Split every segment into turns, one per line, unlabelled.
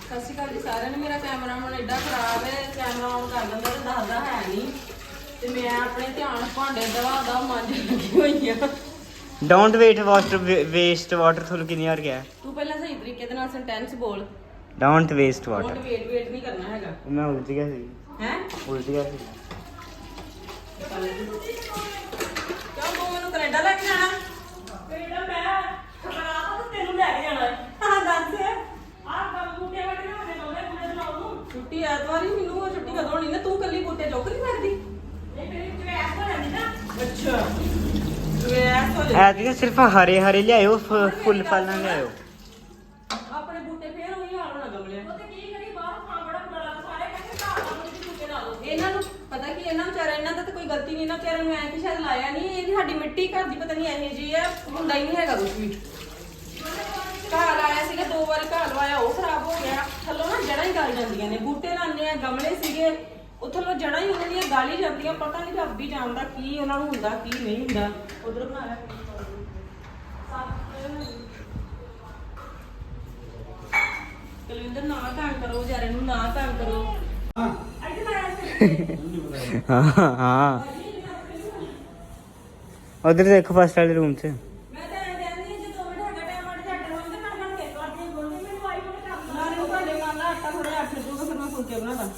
ਸਤਿ ਸ਼੍ਰੀ ਅਕਾਲ ਜੀ ਸਾਰਿਆਂ ਨੂੰ। ਮੇਰਾ ਕੈਮਰਾ ਹੁਣ ਐਡਾ ਖਰਾਬ ਹੈ, ਕੈਮਰਾ ਆਨ ਕਰ ਦਿੰਦਾ ਤੇ ਦੱਸਦਾ ਹੈ ਨਹੀਂ ਤੇ ਮੈਂ ਆਪਣੇ ਧਿਆਨ ਭਾਂਡੇ ਦਵਾ ਮਾਂਜ ਲੱਗੀ ਹੋਈ ਆ।
ਡੋਂਟ ਵੇਟ ਵੇਸਟ ਵਾਟਰ ਤੁਹਾਨੂੰ ਕਿੰਨੀ ਵਾਰ ਗਿਆ?
ਤੂੰ ਪਹਿਲਾਂ ਸਹੀ ਤਰੀਕੇ ਦੇ ਨਾਲ ਸੈਂਟੈਂਸ ਬੋਲ।
Don't waste water.
Don't wait ਨਹੀਂ ਕਰਨਾ ਹੈਗਾ।
ਮੈਂ ਉਲਟ ਗਿਆ ਸੀ।
ਹੈ
ਉਲਟ ਗਿਆ ਸੀ।
ਕਿਉਂ ਤੂੰ ਮੈਨੂੰ ਕੈਨੇਡਾ ਲੈ ਕੇ ਜਾਣਾ? ਕੈਨੇਡਾ ਮੈਂ ਖਬਰਾਂ ਤਾਂ ਤੈਨੂੰ ਲੈ ਕੇ ਜਾਣਾ ਹੈ। ਹਾਂ ਦੱਸ ਆਹ ਕੰਮ ਬੂਟੇ ਵੱਢ ਕੇ ਉਹਨੇ ਲਾਉਣੇ ਕੁੜੇ ਲਾਉਣ ਨੂੰ। ਛੁੱਟੀ ਐਤਵਾਰ ਹੀ ਮੈਨੂੰ ਉਹ ਛੁੱਟੀ ਕਦੋਂ ਹੋਣੀ ਨਾ? ਤੂੰ ਕੱਲੀ ਬੂਟੇ ਚੁੱਕ ਨਹੀਂ ਸਕਦੀ? ਨਹੀਂ ਫਿਰ ਚਵੈਸ ਹੋ ਜਾਂਦੀ ਨਾ। ਅੱਛਾ ਚਵੈਸ ਹੋ ਜਾਂਦੀ।
ਐਤਕੀ ਸਿਰਫ ਹਰੇ ਹਰੇ ਲਿਆਇਓ, ਫੁੱਲ ਫਲ ਨਾ ਲਿਆਇਓ।
ਆਪਣੇ ਬੂਟੇ ਫੇਰ ਉਹੀ ਹਾਲ ਹੋਣਾ ਗਮਲਿਆਂ। ਉਹ ਤੇ ਕੀ ਕਰੀ ਬਾਹਰ ਖਾਂ ਬੜਾ ਬੁਰਾ ਲੱਗਦਾ। ਸਾਰੇ ਕਹਿੰਦੇ ਘਰ ਲਾ ਲਓ ਬੂਟੇ ਲਾ ਲਓ। ਇਹਨਾਂ ਨੂੰ ਪਤਾ ਕੀ ਇਹਨਾਂ ਵਿਚਾਰਿਆਂ ਇਹਨਾਂ ਦਾ ਤਾਂ ਕੋਈ ਗਲਤੀ ਨਹੀਂ। ਇਹਨਾਂ ਵਿਚਾਰਿਆਂ ਨੂੰ ਐਂ ਕਿ ਸ਼ਾਇਦ ਲਾਇਆ ਨਹੀਂ। ਇਹ ਸਾਡੀ ਮਿੱਟੀ ਘਰ ਦੀ ਪਤਾ ਨਹੀਂ ਇਹੋ ਜਿਹੀ ਆ, ਹੁੰਦਾ ਹੀ ਨਹੀਂ ਹੈਗਾ ਕੁਝ ਵੀ। ਘਾਹ ਲਾਇਆ ਸੀਗਾ 2 ਵਾਰ ਘਾਹ ਲਵਾਇਆ, ਉਹ ਖਰਾਬ ਹੋ ਗਿਆ। ਥੱਲੋਂ ਨਾ ਜੜਾਂ ਹੀ ਗਲ ਜਾਂਦੀਆਂ ਨੇ। ਬੂਟੇ ਲਾਉਂਦੇ ਆ, ਗਮਲੇ ਸੀਗੇ ਉਹ ਥੱਲੋਂ ਜੜਾਂ ਹੀ ਉਹਨਾਂ ਦੀਆਂ ਗਲ ਹੀ ਜਾਂਦੀਆਂ। ਪਤਾ ਨਹੀਂ ਰੱਬ ਹੀ ਜਾਣਦਾ ਕੀ ਉਹਨਾਂ ਨੂੰ ਹੁੰਦਾ ਕੀ ਨਹੀਂ ਹੁੰਦਾ। ਉਧਰ ਬਣਾ ਲਿਆ ਕਲਵਿੰਦਰ, ਨਾ ਤੰਗ ਕਰੋ ਵਿਚਾਰੇ ਨੂੰ, ਨਾ ਤੰਗ ਕਰੋ।
ਹਾਂ ਹਾਂ ਉਧਰ ਦੇਖੋ ਫਸਟ ਵਾਲੇ ਰੂਮ 'ਚ।
ਮੈਂ ਤਾਂ ਐਂ ਕਹਿੰਦੀ ਜੇ 2 ਮਿੰਟ ਹੈਗਾ ਟਾਈਮ ਅੜ ਝੱਟ ਹੋਣ ਤੇ ਮੈਂ ਕੇ ਕਰਦੀ ਬੋਲਦੀ ਮੈਨੂੰ ਆਈ ਬੜੇ ਕੰਮ ਨਾ ਨੂੰ ਤੁਹਾਡੇ ਨਾਲ ਨਾ ਆਟਾ ਥੋੜਾ ਅੱਠ ਜੂਗਾ ਫਿਰ ਮੈਂ ਫੁਲਕੇ ਬਣਾਦਾ।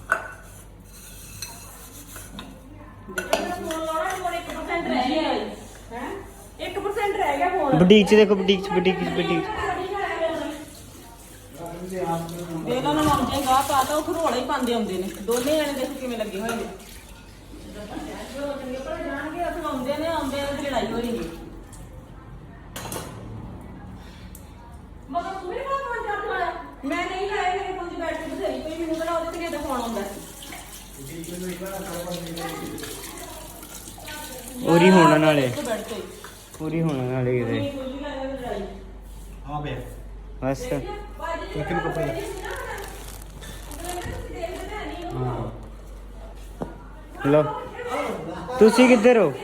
ਫੋਨ ਲਾਉਣਾ ਕੋਲ 1% ਰਹਿ ਗਿਆ ਹੈ। 1% ਰਹਿ ਗਿਆ ਫੋਨ।
ਬੁਟੀਕ 'ਚ ਦੇਖੋ, ਬੁਟੀਕ 'ਚ ਬੁਟੀਕ 'ਚ ਬੁਟੀਕ 'ਚ।
ਦੇ ਇਹਨਾਂ ਨੂੰ ਆਉਂਦੇ ਗਾਹ ਪਾਤਾ ਉਹ ਖਰੋੜਾ ਹੀ ਪਾਉਂਦੇ ਆਉਂਦੇ ਨੇ ਦੋਨੇ ਜਣੇ। ਦੇਖੋ ਕਿਵੇਂ ਲੱਗੇ ਹੋਏ ਨੇ। ਜੋ ਚੰਗੇ ਭਲੇ ਜਾਣਗੇ ਉੱਥੇ ਆਉਂਦੇ ਨੇ ਤੇ ਲੜਾਈ ਹੋ ਰਹੀ ਹੈ। ਮਗਰ ਤੂੰ ਵੀ ਬਾਤ ਮੰਨ ਜਾ ਲਾਇਆ? ਮੈਂ ਨਹੀਂ ਲਾਇਆ। ਮੇਰੇ ਫੋਨ 'ਚ ਬੈਟਰੀ ਬਥੇਰੀ ਪਈ। ਮੈਨੂੰ ਕਿਹੜਾ ਉਹਦੇ ਤੇ ਕਿਹਦਾ ਫੋਨ ਆਉਂਦਾ।
ਪੂਰੀ ਹੋਣ ਵਾਲੇ,
ਬੈਠ ਤੇ
ਪੂਰੀ ਹੋਣ ਵਾਲੇ ਕਿਤੇ।
ਲੜਾਈ
ਹਾਂ ਬੇ
ਬਸ
ਕਿਹਨੂੰ ਕੱਪੜੇ ਹਾਂ
ਲੋ, ਤੁਸੀਂ ਕਿੱਧਰ ਹੋ?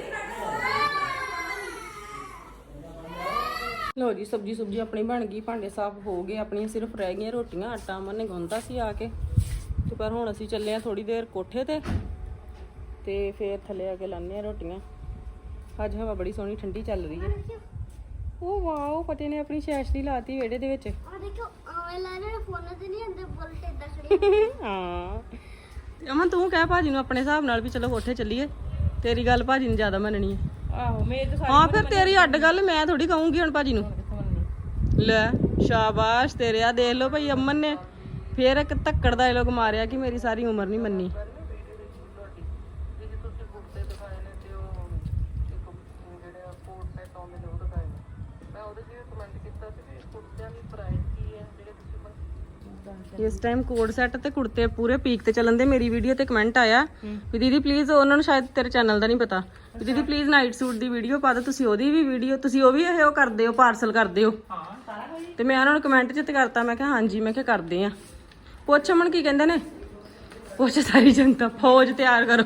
ਲੋ ਜੀ, ਸਬਜੀ ਆਪਣੀ ਬਣ ਗਈ, ਭਾਂਡੇ ਸਾਫ਼ ਹੋ ਗਏ, ਆਪਣੀਆਂ ਸਿਰਫ ਰਹਿ ਗਈਆਂ ਰੋਟੀਆਂ। ਆਟਾ ਅਮਨ ਨੇ ਗੁੰਨਤਾ ਸੀ ਆ ਕੇ ਤੇ ਪਰ ਹੁਣ ਅਸੀਂ ਚੱਲੇ ਆ ਥੋੜੀ ਦੇਰ ਕੋਠੇ ਤੇ ਫੇਰ ਥੱਲੇ ਆ ਕੇ ਲਾਉਂਦੇ ਆ ਰੋਟੀਆਂ। ਅੱਜ ਹਵਾ ਬੜੀ ਸੋਹਣੀ ਠੰਡੀ ਚੱਲ ਰਹੀ ਹੈ। ਉਹ ਵਾਓ, ਪਤੇ ਨੇ ਆਪਣੀ ਸ਼ੈਸ਼ਲੀ ਲਾਤੀ ਵਿਹੜੇ ਦੇ ਵਿੱਚ।
ਆ ਦੇਖੋ ਆਵੇਂ ਲਾ ਰਹੇ ਫੋਨ ਤੇ ਨਹੀਂ ਆਂਦੇ ਬੁਲਟ ਇਦਾਂ ਖੜੀ।
ਹਾਂ ਤੇ ਅਮਨ ਤੂੰ ਕਹਿ ਭਾਜੀ ਨੂੰ ਆਪਣੇ ਹਿਸਾਬ ਨਾਲ ਵੀ ਚਲੋ ਕੋਠੇ ਚੱਲੀਏ। ਤੇਰੀ ਗੱਲ ਭਾਜੀ ਨੇ ਜ਼ਿਆਦਾ ਮੰਨਣੀ ਹੈ। ਆਹੋ ਮੇਰੇ ਤਾਂ ਹਾਂ ਫਿਰ ਤੇਰੀ ਅੱਡ ਗੱਲ, ਮੈਂ ਥੋੜੀ ਕਹੂੰਗੀ ਹੁਣ ਭਾਜੀ ਨੂੰ। ਲੈ ਸ਼ਾਬਾਸ਼ ਤੇਰੇ। ਆ ਦੇਖ ਲਓ ਭਾਈ, ਅਮਨ ਨੇ ਫੇਰ ਇੱਕ ਧੱਕੜ ਦਾ ਲੋਕ ਮਾਰਿਆ ਕਿ ਮੇਰੀ ਸਾਰੀ ਉਮਰ ਨਹੀਂ ਮੰਨੀ। ਇਸ ਟਾਈਮ ਕੋਡ ਸੈੱਟ ਤੇ ਕੁੜਤੇ ਪੂਰੇ ਪੀਕ ਤੇ ਚੱਲਣ ਦੇ। ਮੇਰੀ ਵੀਡੀਓ ਤੇ ਕਮੈਂਟ ਆਇਆ ਵੀ ਦੀਦੀ ਪਲੀਜ਼, ਉਹਨਾਂ ਨੂੰ ਸ਼ਾਇਦ ਤੇਰੇ ਚੈਨਲ ਦਾ ਨਹੀਂ ਪਤਾ, ਵੀ ਦੀਦੀ ਪਲੀਜ਼ ਨਾਈਟ ਸੂਟ ਦੀ ਵੀਡੀਓ ਪਾ ਦਿਓ। ਤੁਸੀਂ ਉਹਦੀ ਵੀ ਵੀਡੀਓ, ਤੁਸੀਂ ਉਹ ਵੀ ਇਹ ਕਰਦੇ ਹੋ, ਪਾਰਸਲ ਕਰਦੇ ਹੋ? ਤੇ ਮੈਂ ਉਹਨਾਂ ਨੂੰ ਕਮੈਂਟ 'ਚ ਤੇ ਕਰਤਾ। ਮੈਂ ਕਿਹਾ ਹਾਂਜੀ, ਮੈਂ ਕਿਹਾ ਕਰਦੇ ਆ। ਪੁੱਛ ਅਮਨ ਕੀ ਕਹਿੰਦੇ ਨੇ? ਪੁੱਛ ਸਾਰੀ ਜਨਤਾ, ਫੌਜ ਤਿਆਰ ਕਰੋ।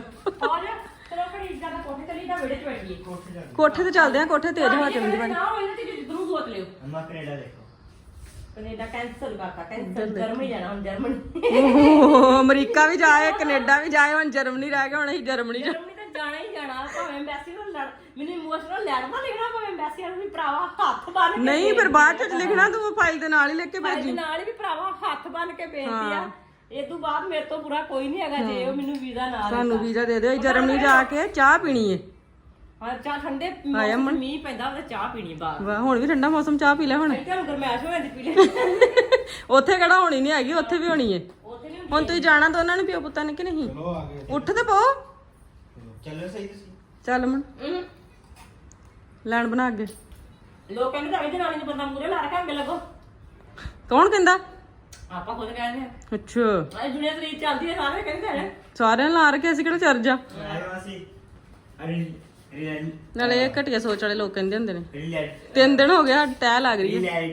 ਕੋਠੇ ਤੇ ਚੱਲਦੇ ਆ, ਕੋਠੇ ਤੇਜ਼ ਹਵਾ ਚੱਲਦੀ ਭਾਜੀ।
ਅੰਮਾ ਕੈਨੇਡਾ ਦੇਖੋ।
ਕੈਨੇਡਾ ਕੈਂਸਲ ਕਰਤਾ, ਕੈਂਸਲ। ਜਰਮਨੀ ਜਾਣਾ ਹੁਣ, ਜਰਮਨੀ। ਅਮਰੀਕਾ ਵੀ ਜਾਏ, ਕੈਨੇਡਾ ਵੀ ਜਾਏ, ਹੁਣ ਜਰਮਨੀ ਰਹਿ ਗਿਆ। ਹੁਣ ਅਸੀਂ ਜਰਮਨੀ
ਤਾਂ ਜਾਣਾ ਹੀ ਜਾਣਾ। ਭਾਵੇਂ ਐਮਬੈਸੀ ਨੂੰ ਲੜ, ਮੈਨੂੰ ਇਮੋਸ਼ਨਲ ਲੈਣਾ ਲਿਖਣਾ, ਭਾਵੇਂ ਐਮਬੈਸੀ ਨੂੰ ਵੀ ਭਰਾਵਾ ਹੱਥ ਬੰਨ ਕੇ।
ਨਹੀਂ ਫਿਰ ਬਾਅਦ ਚ ਲਿਖਣਾ ਤੂੰ ਫਾਈਲ ਦੇ ਨਾਲ ਹੀ ਲਿਖ ਕੇ ਭੇਜੀ।
ਨਾਲ ਹੀ ਵੀ ਭਰਾਵਾ ਹੱਥ ਬੰਨ ਕੇ ਬੇਨਤੀ ਆ। ਇਹ ਤੋਂ ਬਾਅਦ ਮੇਰੇ ਤੋਂ ਬੁਰਾ ਕੋਈ ਨਹੀਂ ਹੈਗਾ ਜੇ ਉਹ ਮੈਨੂੰ ਵੀਜ਼ਾ ਨਾ ਦੇ।
ਸਾਨੂੰ ਵੀਜ਼ਾ ਦੇ ਦਿਓ, ਜਰਮਨੀ ਜਾ ਕੇ ਚਾਹ ਪੀਣੀ ਏ।
ਹਾਂ ਚਾਹ ਠੰਡੇ ਮੀਂਹ ਪੈਂਦਾ ਉਹਦੇ ਚਾਹ ਪੀਣੀ ਬਾਅਦ।
ਵਾਹ, ਹੁਣ ਵੀ ਠੰਡਾ ਮੌਸਮ, ਚਾਹ ਪੀ ਲੈ ਹੁਣ।
ਤੁਹਾਨੂੰ ਗਰਮੈਸ਼ ਹੋ ਜਾਂਦੀ ਪੀ ਲੈ।
ਉੱਥੇ ਕਿਹੜਾ ਹੋਣੀ ਨਹੀਂ ਹੈਗੀ, ਉੱਥੇ ਵੀ ਹੋਣੀ ਏ। ਹੁਣ ਤੁਸੀਂ ਜਾਣਾ ਤਾਂ ਉਹਨਾਂ ਨੇ ਪਿਓ ਪੁੱਤਾਂ ਨੇ ਕਿ ਨਹੀਂ?
ਚਲੋ ਆ ਗਏ।
ਉੱਠ ਤੇ ਪੋ।
ਚੱਲੋ ਸਹੀ ਤੁਸੀਂ।
ਚੱਲ ਮਨ ਲੈਣ ਬਣਾ ਅੱਗੇ।
ਲੋਕ ਕਹਿੰਦੇ ਤਾਂ ਇਹਦੇ ਨਾਲ ਨਹੀਂ ਬੰਦਾ ਮੂਰੇ ਲਾ ਰੱਖਾ ਅੱਗੇ ਲੱਗੋ।
ਕੌਣ ਕਹਿੰਦਾ?
ਆਪਾਂ ਖੁਦ ਕਹਿੰਦੇ ਆ।
ਅੱਛਾ,
ਇਹ ਦੁਨੀਆ ਤਰੀਕ ਚੱਲਦੀ ਹੈ, ਸਾਰੇ ਕਹਿੰਦੇ ਨੇ।
ਸਾਰਿਆਂ ਨੇ ਲਾ ਰੱਖਿਆ, ਅਸੀਂ ਕਿਹੜਾ ਚਰਜ ਆ। ਨਾਲੇ ਇਹ ਘਟੀਆ ਸੋਚ ਵਾਲੇ ਲੋਕ ਕਹਿੰਦੇ ਹੁੰਦੇ ਨੇ। 3 ਦਿਨ ਹੋ ਗਿਆ ਤੈਅ ਲੱਗ ਰਹੀ ਹੈ।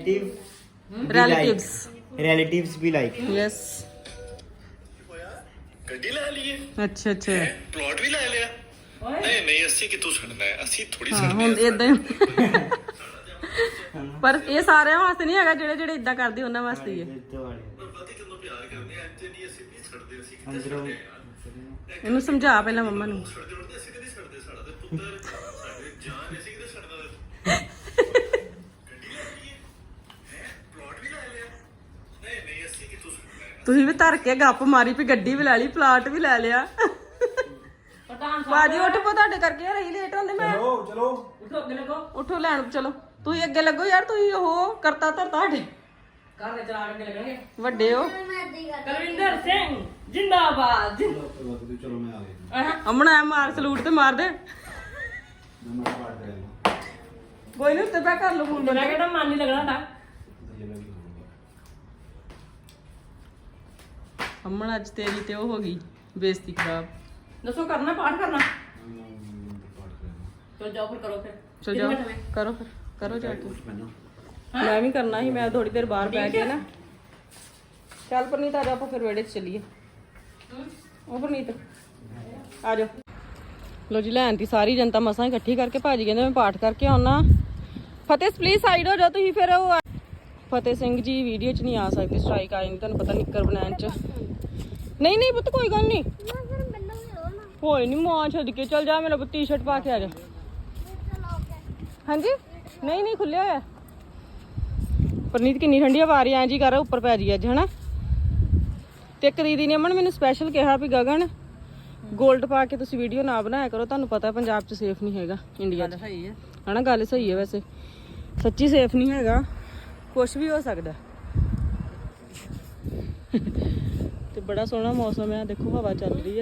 ਰਿਲੇਟਿਵਸ ਵੀ ਲਾਈਕ।
ਯੈਸ।
ਗੱਡੀ ਲੈ ਲਈਏ।
ਅੱਛਾ ਅੱਛਾ,
ਪਲਾਟ ਵੀ ਲੈ ਲਿਆ। ਨਹੀਂ ਅਸੀਂ ਕਿਤੋਂ ਛੱਡਣਾ ਹੈ, ਅਸੀਂ ਥੋੜੀ
ਹਾਂ ਹੁਣ ਇਦਾਂ ਹੀ। ਪਰ ਇਹ ਸਾਰਿਆਂ ਵਾਸਤੇ ਨਹੀਂ ਹੈਗਾ, ਜਿਹੜੇ ਜਿਹੜੇ ਇਦਾਂ ਕਰਦੇ ਉਹਨਾਂ ਵਾਸਤੇ ਹੀ ਹੈ।
ਅੰਦਰੋਂ
ਇਹਨੂੰ ਸਮਝਾ ਪਹਿਲਾਂ ਮੰਮਾ ਨੂੰ।
ਛੱਡਦੇ ਹੁੰਦੇ ਅਸੀਂ ਕਦੀ ਛੱਡਦੇ ਸਾਡਾ ਤੇ ਪੁੱਤਰ ਸਾਡੇ ਜਾਨ ਅਸੀਂ ਕਿਤੇ ਛੱਡਦਾ ਗੱਡੀ ਲੈ ਲਈ ਹੈ ਪਲਾਟ ਵੀ ਲੈ ਲਿਆ ਨਹੀਂ ਨਹੀਂ ਅਸੀਂ ਕਿਤੋਂ ਛੱਡਣਾ
ਤੁਸੀਂ ਵੀ ਧਰ ਕੇ ਗੱਪ ਮਾਰੀ ਵੀ ਗੱਡੀ ਵੀ ਲੈ ਲਈ ਪਲਾਟ ਵੀ ਲੈ ਲਿਆ।
ਪ੍ਰਧਾਨ
ਬਾਜੀ ਉੱਠ ਪੋ, ਤੁਹਾਡੇ ਕਰਕੇ ਰਹੀ ਲੇਟ ਹੁੰਦੇ ਮੈਂ।
ਚਲੋ ਚਲੋ
ਉੱਠੋ ਅੱਗੇ ਲੱਗੋ।
ਉੱਠੋ ਲੈਣ ਚਲੋ, ਤੁਸੀਂ ਅੱਗੇ ਲੱਗੋ ਯਾਰ, ਤੁਸੀਂ ਉਹ ਕਰਤਾ ਧਰ ਤੁਹਾਡੇ
ਘਰ ਦੇ ਚਲਾ ਕੇ ਲੱਗਣਗੇ।
ਵੱਡੇ ਹੋ।
ਕੁਲਵਿੰਦਰ ਸਿੰਘ ਜਿੰਦਾਬਾਦ।
ਚਲੋ ਮੈਂ ਆ ਗਿਆ
ਅਮਣਾ ਮਾਰ ਸਲੂਟ ਤੇ ਮਾਰ ਦੇ।
ਮੈਂ ਪਾਠ ਕਰਾਂਗਾ
ਕੋਈ ਨਹੀਂ ਉੱਤੇ ਪੈ ਕਰ ਲਓ ਫੋਨ।
ਮੇਰਾ ਕਿਹੜਾ ਮਨ ਨਹੀਂ ਲੱਗਣਾ ਤਾਂ
ਅਮਣਾ ਅੱਜ ਤੇਰੀ ਤੇ ਉਹ ਹੋ ਗਈ ਬੇਇੱਜ਼ਤੀ ਖਰਾਬ। ਦੱਸੋ ਕਰਨਾ ਪਾਠ ਕਰਨਾ?
ਚਲੋ ਜਾਓ ਫਿਰ ਕਰੋ ਫਿਰ।
ਚਲ ਜਾਓ ਕਰੋ ਫਿਰ, ਕਰੋ ਜਾ ਕੇ। ਮੈਂ ਵੀ ਕਰਨਾ ਸੀ, ਮੈਂ ਥੋੜੀ ਦੇਰ ਬਾਹਰ ਬੈ ਕੇ ਨਾ। ਚੱਲ ਪਰਨੀਤ ਆ ਜਾ, ਆਪਾਂ ਫਿਰ ਵਿਹੜੇ 'ਚ ਚੱਲੀਏ। ਉਹ ਪਰਨੀਤ ਆ ਜਾਓ। ਲੋ ਜੀ ਲੈਣ ਦੀ ਸਾਰੀ ਜਨਤਾ ਮਸਾਂ ਇਕੱਠੀ ਕਰਕੇ ਭਾਜੀ ਕਹਿੰਦੇ ਮੈਂ ਪਾਠ ਕਰਕੇ ਆਉਣਾ। ਫਤਿਹ ਪਲੀਜ਼ ਸਾਈਡ ਹੋ ਜਾਓ ਤੁਸੀਂ। ਫਿਰ ਉਹ ਫਤਿਹ ਸਿੰਘ ਜੀ ਵੀਡੀਓ 'ਚ ਨਹੀਂ ਆ ਸਕਦੇ, ਸਟ੍ਰਾਈਕ ਆ ਜਾਂਦੀ, ਤੁਹਾਨੂੰ ਪਤਾ ਨਿੱਕਰ ਬਣਾਉਣ 'ਚ। ਨਹੀਂ ਨਹੀਂ ਪੁੱਤ ਕੋਈ ਗੱਲ ਨਹੀਂ, ਹੋਏ ਨਹੀਂ ਮਾਂ ਛੱਡ ਕੇ ਚੱਲ ਜਾ। ਮੇਰਾ ਪੁੱਤ ਟੀ-ਸ਼ਰਟ ਪਾ ਕੇ ਆ ਜਾ। ਹਾਂਜੀ ਨਹੀਂ ਨਹੀਂ ਖੁੱਲਿਆ ਹੋਇਆ। ਪਰਨੀਤ ਕਿੰਨੀ ਠੰਡੀ ਹਵਾ ਆ ਰਹੀ ਐ ਜੀ ਕਰ ਉੱਪਰ ਪੈ ਜੀ ਅੱਜ ਹਨਾ। ਤੇ ਇੱਕ ਦੀਦੀ ਨੇ ਅਮਨ ਮੈਨੂੰ ਸਪੈਸ਼ਲ ਕਿਹਾ ਵੀ ਗਗਨ ਗੋਲਡ ਪਾ ਕੇ ਤੁਸੀਂ ਵੀਡੀਓ ਨਾ ਬਣਾਇਆ ਕਰੋ, ਤੁਹਾਨੂੰ ਪਤਾ ਪੰਜਾਬ 'ਚ ਸੇਫ ਨਹੀਂ ਹੈਗਾ ਇੰਡੀਆ 'ਚ।
ਸਹੀ ਹੈ
ਹਨਾ ਗੱਲ ਸਹੀ ਹੈ, ਵੈਸੇ ਸੱਚੀ ਸੇਫ ਨਹੀਂ ਹੈਗਾ, ਕੁਛ ਵੀ ਹੋ ਸਕਦਾ। ਤੇ ਬੜਾ ਸੋਹਣਾ ਮੌਸਮ ਹੈ, ਦੇਖੋ ਹਵਾ ਚੱਲ ਰਹੀ ਹੈ।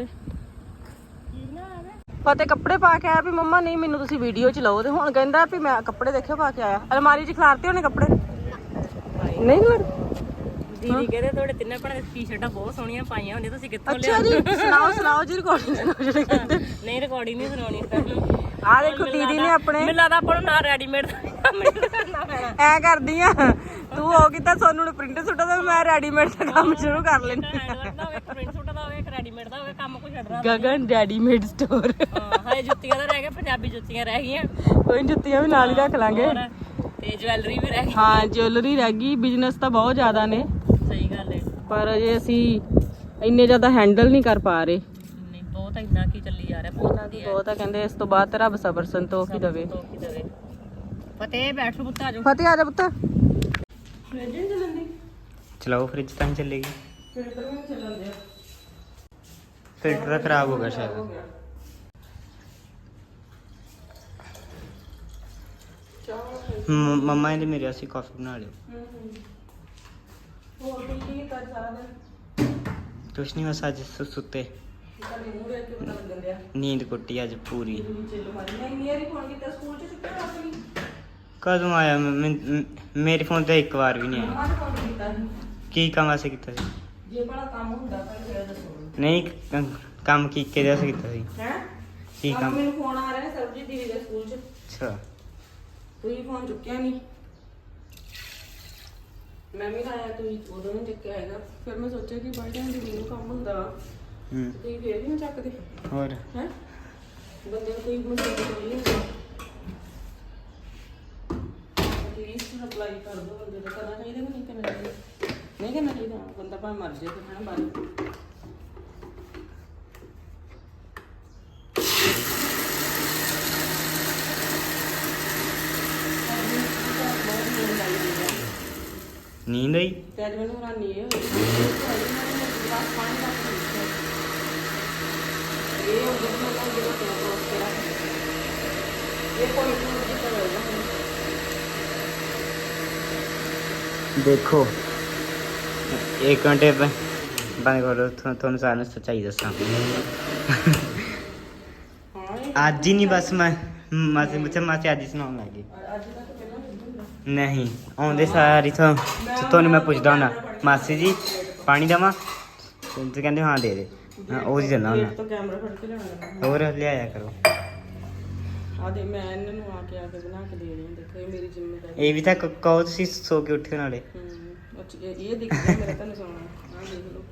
ਫਤਿਹ ਕੱਪੜੇ ਪਾ ਕੇ ਆਇਆ ਵੀ ਮੰਮਾ ਨਹੀਂ ਮੈਨੂੰ ਤੁਸੀਂ ਵੀਡੀਓ 'ਚ ਲਓ, ਤੇ ਹੁਣ ਕਹਿੰਦਾ ਵੀ ਮੈਂ ਕੱਪੜੇ ਦੇਖਿਓ ਪਾ ਕੇ ਆਇਆ। ਅਲਮਾਰੀ 'ਚ ਖਿਲਾਰਤੇ ਹੋਣੇ ਕੱਪੜੇ ਨਹੀਂ ਖਿਲਾਰ।
ਦੀਦੀ ਕਹਿੰਦੇ ਤੁਹਾਡੇ ਤਿੰਨੇ ਭੈਣਾਂ ਦੀ ਟੀ-ਸ਼ਰਟਾਂ ਬਹੁਤ ਸੋਹਣੀਆਂ ਪਾਈਆਂ ਹੁੰਦੀਆਂ, ਤੁਸੀਂ ਕਿੱਥੋਂ
ਅੱਛਾ ਜੀ ਸੁਣਾਓ ਸੁਣਾਓ ਜੀ ਰਿਕਾਰਡਿੰਗ ਜਿਹੜੇ ਕਹਿੰਦੇ।
ਨਹੀਂ ਰਿਕਾਰਡਿੰਗ ਨਹੀਂ ਸੁਣਾਉਣੀ ਤੁਹਾਨੂੰ।
ਆ ਦੇਖੋ ਦੀਦੀ ਨੇ ਆਪਣੇ
ਮੈਨੂੰ ਲੱਗਦਾ ਆਪਾਂ ਨੂੰ ਨਾ ਰੈਡੀਮੇਡ ਕਰਨਾ ਪੈਣਾ।
ਐ ਕਰਦੀ ਆ ਤੂੰ ਹੋ ਕੀਤਾ ਸੋਨੂੰ ਨੂੰ ਪ੍ਰਿੰਟ ਸੁੱਟਾ ਤੇ ਮੈਂ ਰੈਡੀਮੇਡ ਦਾ ਕੰਮ ਸ਼ੁਰੂ ਕਰ ਲੈਂਦੀ।
ਹੈਂਡਵਰਕ ਦਾ ਹੋਵੇ, ਪ੍ਰਿੰਟ ਸੂਟ ਦਾ ਹੋਵੇ, ਰੈਡੀਮੇਡ ਦਾ ਹੋਵੇ, ਕੰਮ ਕੋਈ ਛੱਡਣਾ।
Gagan readymade store.
ਹਾਂ ਹਾਏ ਜੁੱਤੀਆਂ ਦਾ ਰਹਿ ਗਿਆ, ਪੰਜਾਬੀ ਜੁੱਤੀਆਂ ਰਹਿ ਗਈਆਂ।
ਕੋਈ ਜੁੱਤੀਆਂ ਵੀ ਨਾਲ ਹੀ ਰੱਖ ਲਾਂਗੇ।
ਹੋਰ, ਤੇ ਜਵੈਲਰੀ ਵੀ ਰਹਿ ਗਈ।
ਹਾਂ ਜਿਊਲਰੀ ਰਹਿ ਗਈ। ਬਿਜ਼ਨਸ ਤਾਂ ਬਹੁਤ ਜ਼ਿਆਦਾ ਨੇ,
ਸਹੀ ਗੱਲ ਹੈ।
ਪਰ ਅਜੇ ਅਸੀਂ ਇੰਨੇ ਜ਼ਿਆਦਾ ਹੈਂਡਲ ਨਹੀਂ ਕਰ ਪਾ ਰਹੇ।
ਨਹੀਂ ਬਹੁਤ ਇੰਨਾ ਕੀ ਚੱਲੀ ਜਾ ਰਿਹਾ, ਬਹੁਤ ਵਧੀਆ।
ਬਹੁਤ ਆ ਕਹਿੰਦੇ, ਇਸ ਤੋਂ ਬਾਅਦ ਤੇ ਰੱਬ ਸਬਰ ਸੰਤੋਖ ਹੀ ਦੇਵੇ।
ਫਤਿਹ ਬੈਠੋ ਪੁੱਤ ਆ ਜਾਓ।
ਫਤਿਹ ਆ ਜਾ ਪੁੱਤ।
ਚਲਾਓ ਫ੍ਰਿਜ ਤਾਂ ਨਹੀਂ ਚੱਲੇਗੀ, ਫਿਲਟਰ ਤਾਂ ਖਰਾਬ ਹੋ ਗਿਆ ਸ਼ਾਇਦ। ਮੰਮਾ ਨੇ ਮੇਰੇ ਵਾਸਤੇ ਕਾਫੀ ਬਣਾ ਲਿਓ। ਕੁਛ ਨਹੀਂ, ਬਸ ਅੱਜ ਸੁੱਤੇ ਨੀਂਦ ਕੁੱਟੀ ਅੱਜ ਪੂਰੀ। ਕਦੋਂ ਆਇਆ ਮੇਰੇ ਫੋਨ ਤੇ ਇੱਕ ਵਾਰ ਵੀ ਨਹੀਂ ਆਇਆ। ਕੀ ਕੰਮ ਵਾਸਤੇ ਕੀਤਾ ਸੀ?
ਜੇ ਬੜਾ ਕੰਮ ਹੁੰਦਾ ਤਾਂ ਫਿਰ ਦੱਸੋ।
ਨਹੀਂ ਕੰਮ ਕੀ ਕਿਹਦੇ ਵਾਸਤੇ ਕੀਤਾ ਸੀ?
ਹੈ
ਕੀ ਕੰਮ?
ਮੈਨੂੰ ਫੋਨ ਆ ਰਿਹਾ ਸਰਬਜੀਤ ਦੀਦੀ ਦੇ ਸਕੂਲ 'ਚ।
ਅੱਛਾ
ਤੁਸੀਂ ਫੋਨ ਚੁੱਕਿਆ ਨਹੀਂ, ਮੈਂ ਵੀ ਲਾਇਆ, ਤੁਸੀਂ ਉਦੋਂ ਨਹੀਂ ਚੁੱਕਿਆ ਹੈਗਾ। ਫਿਰ ਮੈਂ ਸੋਚਿਆ ਕਿ ਬਾਈ ਟਾਈਮ ਦੀਦੀ ਨੂੰ ਕੰਮ ਹੁੰਦਾ ਤੁਸੀਂ ਫੇਰ ਵੀ ਨਾ ਚੱਕਦੇ।
ਹੋਰ
ਹੈ ਬੰਦੇ ਨੂੰ ਕੋਈ ਮਸਲਾ ਨਹੀਂ ਹੁੰਦਾ, ਐਟਲੀਸਟ ਰਿਪਲਾਈ ਕਰ ਦੋ। ਬੰਦੇ ਦਾ ਕਰਨਾ ਚਾਹੀਦਾ ਕਿ ਨਹੀਂ ਕਰਨਾ ਚਾਹੀਦਾ? ਨਹੀਂ ਕਰਨਾ ਚਾਹੀਦਾ, ਬੰਦਾ ਭਾਵੇਂ ਮਰ ਜਾਏ ਤੇ ਨਾ ਬਾਰੇ।
ਨੀਂਦ ਆਈ?
ਤੇ ਅੱਜ ਮੈਨੂੰ ਹੈਰਾਨੀ ਇਹ ਹੋਈ ਬਸ ਪਾਣੀ ਦਾ ਇਹ ਉਹ ਜਿਹੜਾ ਮੈਂ ਜਿਹੜਾ ਕੋਸ ਕਰਾ ਇਹ ਕੋਈ ਨਹੀਂ ਜਿੱਤਾ ਹੋਏਗਾ।
ਦੇਖੋ 1 ਘੰਟੇ ਬੰਦ ਕਰੋ, ਤੁਹਾਨੂੰ ਸਾਰਿਆਂ ਨੂੰ ਸੱਚਾਈ ਦੱਸਾਂ। ਅੱਜ ਹੀ ਨਹੀਂ, ਬਸ ਮੈਂ ਮਾਸੀ ਅੱਜ ਹੀ ਸੁਣਾਉਣ ਲੱਗੀ। ਨਹੀਂ ਆਉਂਦੇ ਸਾਰੀ ਤੁਹਾਨੂੰ ਮੈਂ ਪੁੱਛਦਾ ਹੁੰਦਾ, ਮਾਸੀ ਜੀ ਪਾਣੀ ਦੇਵਾਂ? ਤੇ ਕਹਿੰਦੇ ਹਾਂ ਦੇ ਦੇ, ਉਹ ਹੀ ਦਿੰਦਾ ਹੁੰਦਾ।
ਤੋਂ ਕੈਮਰਾ ਫੜ ਕੇ ਲਿਆਉਣਾ।
ਹੋਰ ਲਿਆਇਆ ਕਰੋ।
ਆ ਦੇ ਮੈਂ ਇਹਨਾਂ ਨੂੰ ਆ ਕੇ ਬਣਾ ਕੇ ਦੇ ਰਹੀ ਹਾਂ। ਦੇਖੋ ਇਹ ਮੇਰੀ ਜ਼ਿੰਮੇਵਾਰੀ।
ਇਹ ਵੀ ਤਾਂ ਕਹੋ ਤੁਸੀਂ ਸੋ ਕੇ ਉੱਠੇ ਨਾਲੇ।
ਅੱਛਾ ਇਹ ਦਿਖਦਾ ਮੇਰਾ ਤੁਹਾਨੂੰ ਸੋਣਾ। ਆ ਦੇਖ ਲਓ।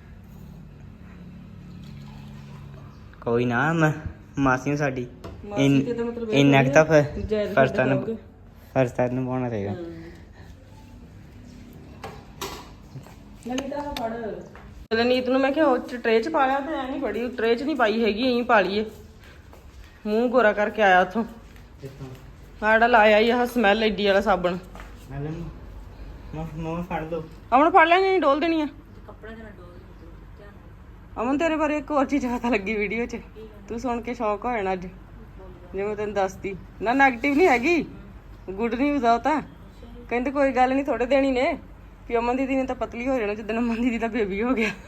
ਕੋਈ ਨਾ ਮਾਸੀ ਨੂੰ ਸਾਡੀ
ਮਾਸੀ ਤੇ ਤਾਂ ਮਤਲਬ
ਇੰਨਾ ਕੁ ਤਾਂ
ਜਾਇਜ਼
ਫਰਜ਼ ਤਾਂ
ਕਰੋਗੇ।
ਨੂੰ ਪਾਉਣਾ ਚਾਹੀਦਾ।
ਨਵੀਂ ਤਾਂ ਫੜ ਚਲ ਨੀਤ ਨੂੰ ਮੈਂ ਕਿਹਾ ਉਹ ਟਰੇ 'ਚ ਪਾ ਲਿਆ ਤੇ ਐ ਨਹੀਂ ਫੜੀ ਟਰੇ 'ਚ ਨਹੀਂ ਪਾਈ ਹੈਗੀ ਐਂ ਪਾ ਲਈਏ ਮੂੰਹ ਗੋਰਾ ਕਰਕੇ ਆਇਆ ਉੱਥੋਂ
ਕਿੱਥੋਂ
ਆੜਾ ਲਾਇਆ ਹੀ ਆਹ ਸਮੈਲ ਐਡੀ ਵਾਲਾ ਸਾਬਣ
ਮੈਂ ਲੈ ਮੋਹ ਫੜ ਲਓ
ਅਮਨ ਫੜ ਲੈਣੀ ਨਹੀਂ ਡੋਲ ਦੇਣੀ ਆ
ਕੱਪੜੇ ਦੇ ਨਾਲ ਡੋਲ ਧਿਆਨ
ਅਮਨ ਤੇਰੇ ਬਾਰੇ ਇੱਕ ਹੋਰ ਚੀਜ਼ ਪਤਾ ਲੱਗੀ ਵੀਡੀਓ 'ਚ ਤੂੰ ਸੁਣ ਕੇ ਸ਼ੌਕ ਹੋ ਜਾਣਾ ਅੱਜ ਜਿਵੇਂ ਤੈਨੂੰ ਦੱਸਦੀ ਨਾ ਨੈਗੇਟਿਵ ਨਹੀਂ ਹੈਗੀ ਗੁੱਡ ਨਿਊਜ਼ ਆ ਉਹ ਤਾਂ ਕਹਿੰਦੇ ਕੋਈ ਗੱਲ ਨਹੀਂ ਥੋੜੇ ਦਿਨ ਹੀ ਨੇ ਵੀ ਅਮਨ ਦੀਦੀ ਨੇ ਤਾਂ ਪਤਲੀ ਹੋ ਜਾਣਾ ਜਿੱਦਣ ਅਮਨ ਦੀਦੀ ਦਾ ਬੇਬੀ ਹੋ ਗਿਆ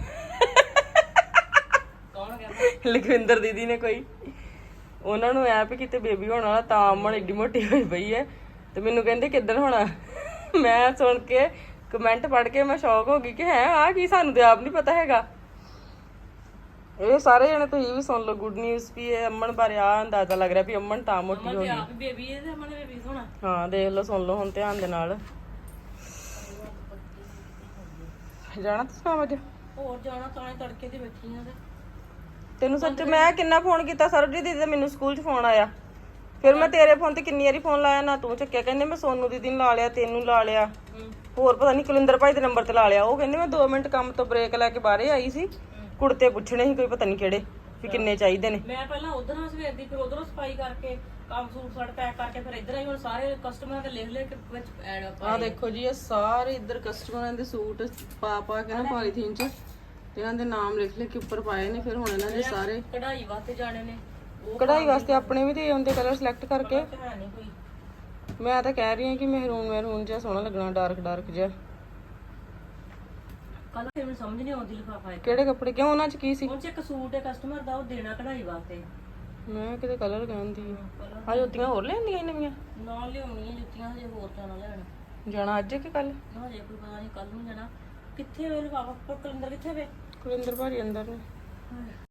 ਕੌਣ ਕਹਿੰਦਾ
ਲਖਵਿੰਦਰ ਦੀਦੀ ਨੇ ਕੋਈ ਉਹਨਾਂ ਨੂੰ ਐ ਵੀ ਕਿਤੇ ਬੇਬੀ ਹੋਣ ਵਾਲਾ ਤਾਂ ਅਮਨ ਏਡੀ ਮੋਟੀ ਹੋਈ ਪਈ ਹੈ ਤੇ ਮੈਨੂੰ ਕਹਿੰਦੇ ਕਿੱਦਣ ਹੋਣਾ ਮੈਂ ਸੁਣ ਕੇ ਕਮੈਂਟ ਪੜ੍ਹ ਕੇ ਮੈਂ ਸ਼ੌਕ ਹੋ ਗਈ ਕਿ ਹੈ ਆ ਕੀ ਸਾਨੂੰ ਤੇ ਆਪ ਨਹੀਂ ਪਤਾ ਹੈਗਾ ਇਹ ਸਾਰੇ ਜਣੇ ਤੁਸੀਂ ਵੀ ਸੁਣ ਲਓ ਗੁੱਡ ਨਿਊਜ਼ ਵੀ ਇਹ ਅਮਨ ਬਾਰੇ ਆ ਅੰਦਾਜ਼ਾ ਲੱਗ ਰਿਹਾ ਵੀ ਅਮਨ ਤਾਂ ਮੋਟੀ ਹੋ
ਤੇ
ਗਈ
ਆਪ ਬੇਬੀ ਇਹ ਤੇ ਅਮਨ ਬੇਬੀ ਹੋਣਾ
ਹਾਂ ਦੇਖ ਲਓ ਸੁਣ ਲਓ ਹੁਣ ਧਿਆਨ ਦੇ ਨਾਲ ਜਾਣਾ ਤੁਸੀਂ ਕੰਮ ਅੱਜ
ਹੋਰ ਜਾਣਾ ਤਾਂ ਤੜਕੇ ਤੇ ਬੈਠੀ ਆ ਤੇ
ਤੈਨੂੰ ਸੱਚ ਮੈਂ ਕਿੰਨਾ ਫੋਨ ਕੀਤਾ ਸਰਬਜੀਤ ਦੀਦੀ ਦਾ ਮੈਨੂੰ ਸਕੂਲ 'ਚ ਫੋਨ ਆਇਆ ਫਿਰ ਮੈਂ ਤੇਰੇ ਫੋਨ ਤੇ ਕਿੰਨੀ ਵਾਰੀ ਫੋਨ ਲਾਇਆ ਨਾ ਤੂੰ ਚੱਕਿਆ ਕਹਿੰਦੇ ਮੈਂ ਸੋਨੂ ਦੀਦੀ ਨੂੰ ਲਾ ਲਿਆ ਤੈਨੂੰ ਲਾ ਲਿਆ ਹੋਰ ਪਤਾ ਨਹੀਂ ਕੁਲਿੰਦਰ ਭਾਈ ਦੇ ਨੰਬਰ ਤੇ ਲਾ ਲਿਆ ਉਹ ਕਹਿੰਦੇ ਮੈਂ 2 ਮਿੰਟ ਕੰਮ ਤੋਂ ਬ੍ਰੇਕ ਲੈ ਕੇ ਬਾਹਰੇ ਆਈ ਸੀ ਕੁੜਤੇ ਪੁੱਛਣੇ ਸੀ ਕੋਈ ਪਤਾ ਨਹੀਂ ਕਿਹੜੇ ਵੀ ਕਿੰਨੇ ਚਾਹੀਦੇ ਨੇ
ਮੈਂ ਪਹਿਲਾਂ ਉਧਰ ਸਵੇਰ ਦੀ ਫਿਰ ਉਧਰੋਂ ਸਫਾਈ ਕਰਕੇ ਕੰਮ ਸੂਟ ਸਾਟ ਪੈਕ ਕਰਕੇ ਫਿਰ ਇੱਧਰ ਆਈ ਹੁਣ ਸਾਰੇ ਕਸਟਮਰਾਂ ਦੇ ਲਿਖ ਲਿਖ ਕੇ ਵਿੱਚ ਐਡ
ਆਹ ਦੇਖੋ ਜੀ ਇਹ ਸਾਰੇ ਇੱਧਰ ਕਸਟਮਰਾਂ ਦੇ ਸੂਟ ਪਾ ਪਾ ਕੇ ਨਾ ਪੋਲੀਥੀਨ 'ਚ ਤੇ ਇਹਨਾਂ ਦੇ ਨਾਮ ਲਿਖ ਲਿਖ ਕੇ ਉੱਪਰ ਪਾਏ ਨੇ ਫਿਰ ਹੁਣ ਇਹਨਾਂ ਦੇ ਸਾਰੇ
ਕਢਾਈ ਵਾਸਤੇ ਜਾਣੇ ਨੇ ਉਹ
ਕਢਾਈ ਵਾਸਤੇ ਆਪਣੇ ਵੀ ਦੇ ਆਉਂਦੇ ਕਲਰ ਸਿਲੈਕਟ ਕਰਕੇ
ਹੈ ਨਹੀਂ ਕੋਈ
ਮੈਂ ਤਾਂ ਕਹਿ ਰਹੀ ਹਾਂ ਕਿ ਮਹਿਰੂਨ ਜਿਹਾ ਸੋਹਣਾ ਲੱਗਣਾ ਡਾਰਕ ਜਿਹਾ
ਕੱਲ ਫਿਰ ਮੈਨੂੰ ਸਮਝ ਨਹੀਂ ਆਉਂਦੀ ਲਿਫਾਫਾ ਇੱਕ
ਕਿਹੜੇ ਕੱਪੜੇ ਕਿਉਂ ਉਹਨਾਂ 'ਚ ਕੀ ਸੀ
ਉਹ 'ਚ ਇੱਕ ਸੂਟ ਹੈ ਕਸਟਮਰ ਦਾ ਉਹ ਦੇਣਾ ਕਢਾਈ ਵਾਸਤੇ
ਮੈਂ ਕਿਤੇ ਕਲਰ ਕਹਿੰਦੀ ਆ ਜੁੱਤੀਆਂ ਹੋਰ ਲੈਂਦੀਆਂ ਨਵੀਆਂ
ਨਾਲ ਲਿਆਉਣੀ ਹੈ ਜੁੱਤੀਆਂ ਹਜੇ ਹੋਰ ਜਾਣਾ ਲੈਣ
ਜਾਣਾ ਅੱਜ ਕਿ ਕੱਲ
ਹਜੇ ਕੋਈ ਪਤਾ ਨਹੀਂ ਕੱਲ ਨੂੰ ਜਾਣਾ ਕਿੱਥੇ ਵੇ ਲਿਫਾਫਾ ਪਰ ਕਲਿੰਦਰ ਕਿੱਥੇ ਵੇ
ਕੁਲਿੰਦਰ ਭਾਜੀ ਅੰਦਰ ਨੇ